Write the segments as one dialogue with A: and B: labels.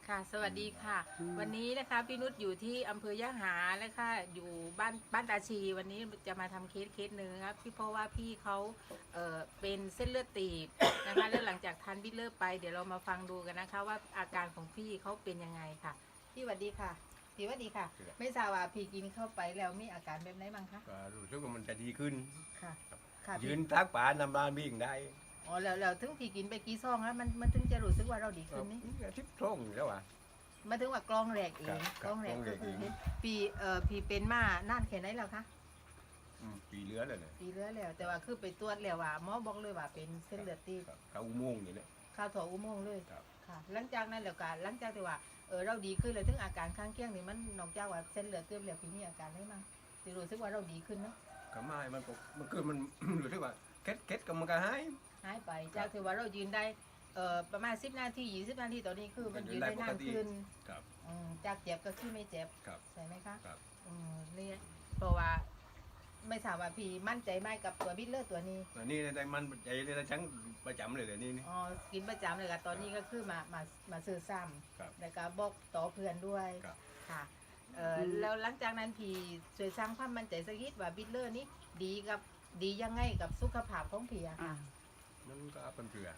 A: ค่ะสวัสดีค่ะ วันนี้นะคะพี่นุชอยู่ที่อำเภอยะหาและค่ะอยู่บ้านตาชีวันนี้จะมาทำเคสหนึ่งครับพี่เพราะว่าพี่เขาเป็นเส้นเลือดตีบนะคะแล้วหลังจากทานบิลเลอร์ไปเดี๋ยวเรามาฟังดูกันนะคะว่าอาการของพี่เขาเป็นยังไงค่ะพี่สวัสดีค่ะพี่สวัสดีค่ะ ไม่ทราบว่าพี่กินเข้าไปแล้วมีอาการแบบไหนบ้างคะ
B: ก็รู้สึกว่ามันจะดีขึ้น
A: ค่ะค่ะ
B: ยื
A: พี่
B: นทักป่านำลานวิ่งได้
A: อ๋อแล้วถึงพี่กินไปกี่ซองแล้วมันถึงจะรู้สึกว่าเราดีขึ้นนี่
B: ทิพย์ท่งอยู่แล้วอ่ะ
A: มาถึงว่ากล้องแรกเอง
B: ครับ
A: กล้องแรก
B: กล้องแร
A: ก็
B: ก
A: คือ
B: เอง
A: พี่เป็นมานานแค่ไหนแล้วคะ
B: ปีเหลือเลยเนี่ย
A: ปีเรื่อยแล้วแต่ว่าคือไปตรวจแล้วว่าหมอบอกเลยว่าเป็นเส้นเลือดตีบ
B: ครับเขาอุโมงค์นี่แหละ
A: เข้าวถ่ออุโมงค์เลย
B: ครับ
A: ค่ะหลังจากนั้นแล้วก็หลังจากที่ว่าเราดีขึ้นเลยถึงอาการข้างเคียงนี่มันนอกจากว่าเส้นเลือดตีบแล้วพี่มีอาการได้มั้งที่รู้สึกว่าเราดีขึ้นเนาะ
B: ก็ไม่มันคือมัน รู้สึกว่าเคล็ดก็มันก็หาย
A: หายไปจากที่ว่าเรายืนได้ประมาณ10 นาที20 นาทีตอนนี้คือมันยืนได้นานขึ้น
B: ครับ
A: จากเจ็บก็คือไม่เจ็บ
B: ครับ
A: ใช่ไหมคะ
B: ครับ
A: นี่เพราะว่าไม่ทราบว่าพี่มั่นใจไหมกับตัวบิลเลอร์ตัวนี้
B: แต่นี่ในมันใจในชั้งประจำเลยเดี๋ยวนี้นี่
A: อ๋อกินประจำเลยค่ะตอนนี้ก็คือมาซื้อซ้
B: ครับ
A: ำแล้วก็บอกต่อเพื่อนด้วย
B: ครับ
A: ค่ะแล้วหลังจากนั้นพี่ช่วยสร้างความมั่นใจสักนิดว่าบิลเลอร์นี้ดียังไงกับสุขภาพของพี่อะค่ะ
B: มันก็เป็นเผื่อ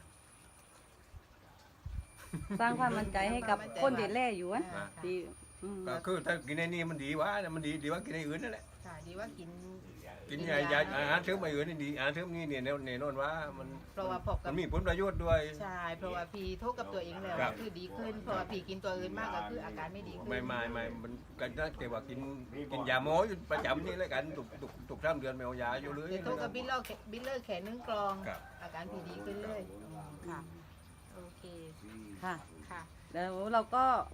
C: สร้างความมั่นใจให้กับคนที่แล่อยู่อะ
A: ค่ะ
C: ที่
B: ก็คือถ้ากินในนี้มันดีวะมันดีว่ากินในอื่นนั่นแหละ
A: ค่ะดีว่ากิน
B: กินยาอาหารเสริมอื่นนี่ดีอาหารเสริมนี่เนี่ยแน่นอนว่ามัน
A: เพราะว่าพบกั
B: มั
A: บ
B: นมีผลประโยชน์ด้วย
A: ใช่เพราะว่าพี่โทษกับตัวเองแล้ว
B: ครับ
A: คือดีขึ้นเพราะว่าพี่กินตัวอื่นมากก็คืออาการไม่ดีขึ้น
B: ไม่มันกันนะแต่ว่ากินยาหมออยู่ประจำนี่แล้วกันตุก3 เดือนไม่เอายาอยู่เลย
A: เดี๋ยวโทษกับบิลเลอร์แขน1 กลอง
B: ครับ
A: อาการพี่ดีขึ้นเลยค่ะโอเค
C: ค่ะ
A: ค่ะ
C: แล้วเราก็